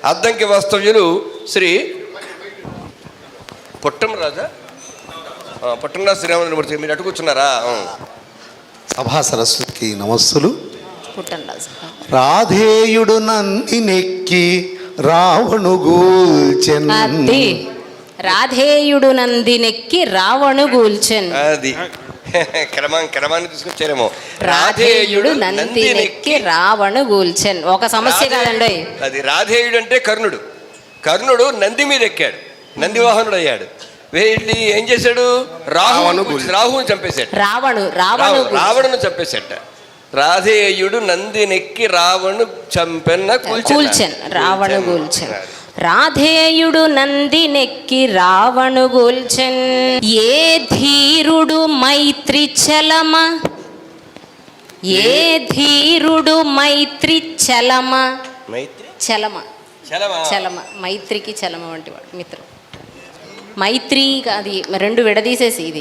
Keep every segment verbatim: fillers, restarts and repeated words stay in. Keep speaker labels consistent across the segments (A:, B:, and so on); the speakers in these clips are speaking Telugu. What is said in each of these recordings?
A: అద్దంకి వాస్తవ్యులు శ్రీ పుట్టం రాజా పుట్టంరాజు శ్రీరామచంద్రమూర్తి. మీరు అటు కూర్చున్నారా?
B: సభా సరస్వతికి నమస్సులు.
C: పుట్టంరాజు
B: రాధేయుడు నంది నెక్కి రావణు గూల్చెన్.
C: రాధేయుడు నందినెక్కి రావణు గూల్చెన్.
A: అది క్రమాన్ని క్రమాన్ని తీసుకొచ్చారేమో.
C: రాధేయుడు నందినెక్కి రావణు గూల్చెన్. ఒక సమస్య కాదండి
A: అది. రాధేయుడు అంటే కర్ణుడు. కర్ణుడు నంది మీద ఎక్కాడు, నంది వాహనుడు అయ్యాడు. వెళ్ళి ఏం చేశాడు? రాహును రాహుని చంపేశాడు.
C: రావణు రావణు
A: రావణును చంపేశాట. రాధేయుడు నందినెక్కి రావణు చంపెన్న
C: కూల్చెన్. రావణు గూల్చెన్. రాధేయుడు నందినెక్కి రావణు గూల్చెన్. ఏ ధీరుడు మైత్రి చలమ, ఏ ధీరుడు మైత్రి చలమ.
A: మైత్రి
C: చలమ
A: చలమ
C: చలమ మైత్రికి చలమ వంటి వాడు మిత్రుడు. మైత్రి అది రెండు విడదీసేసి ఇది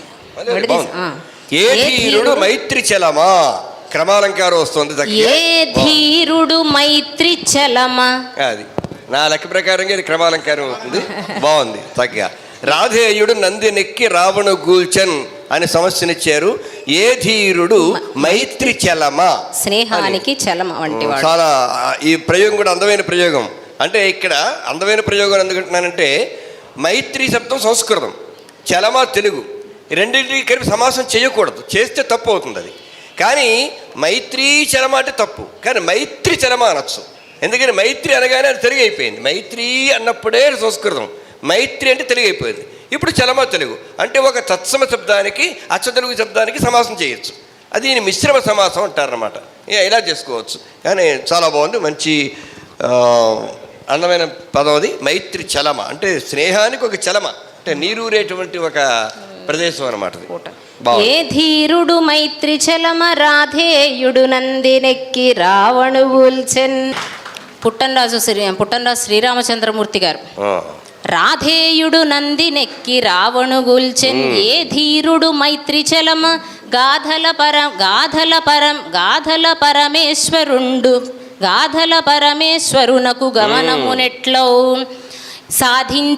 A: ఏ ధీరుడు మైత్రి చలమా. క్రమాలంకారం వస్తుంది.
C: ఏ ధీరుడు మైత్రి చలమ.
A: అది నా లెక్క ప్రకారంగా ఇది క్రమాలంకారం అవుతుంది. బాగుంది చక్కగా. రాధేయుడు నందినెక్కి రావణు గూల్చెన్ అని సమస్యనిచ్చారు. ఏ ధీరుడు మైత్రి చలమ,
C: స్నేహానికి చలమ వంటి వాడు.
A: చాలా ఈ ప్రయోగం కూడా అందమైన ప్రయోగం. అంటే ఇక్కడ అందమైన ప్రయోగం ఎందుకంటున్నానంటే మైత్రి శబ్దం సంస్కృతం, చలమ తెలుగు. రెండింటికి కలిపి సమాసం చేయకూడదు, చేస్తే తప్పు అవుతుంది అది. కానీ మైత్రీ చలమ అంటే తప్పు, కానీ మైత్రి చలమ అనొచ్చు. ఎందుకని మైత్రి అనగానే అది తెలుగు అయిపోయింది. మైత్రి అన్నప్పుడే సంస్కృతం, మైత్రి అంటే తెలుగు అయిపోయింది. ఇప్పుడు చలమ తెలుగు. అంటే ఒక తత్సమ శబ్దానికి అచ్చ తెలుగు శబ్దానికి సమాసం చేయొచ్చు. అది మిశ్రమ సమాసం అంటారనమాట. ఇలా చేసుకోవచ్చు. కానీ చాలా బాగుంది, మంచి అందమైన పదం అది. మైత్రి చలమ అంటే స్నేహానికి ఒక చలమ, అంటే నీరూరేటువంటి ఒక ప్రదేశం అనమాట.
C: ఏ ధీరుడు మైత్రి చలమ రాధేయుడు నందినెక్కి రావణు గూల్చెన్. పుట్టంరాజు శ్రీ పుట్టంరాజు శ్రీరామచంద్రమూర్తి గారు. రాధేయుడు నందినెక్కి రావణు గూల్చెన్. ఏ ధీరుడు మైత్రి చలమ గాధల పరం గాధల పరం గాధల పరమేశ్వరుండు గాధల పరమేశ్వరునకు గమనమునెట్లో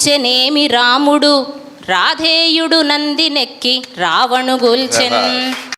C: సాధించెనేమి రాముడు రాధేయుడు నందినెక్కి రావణు గూల్చెన్.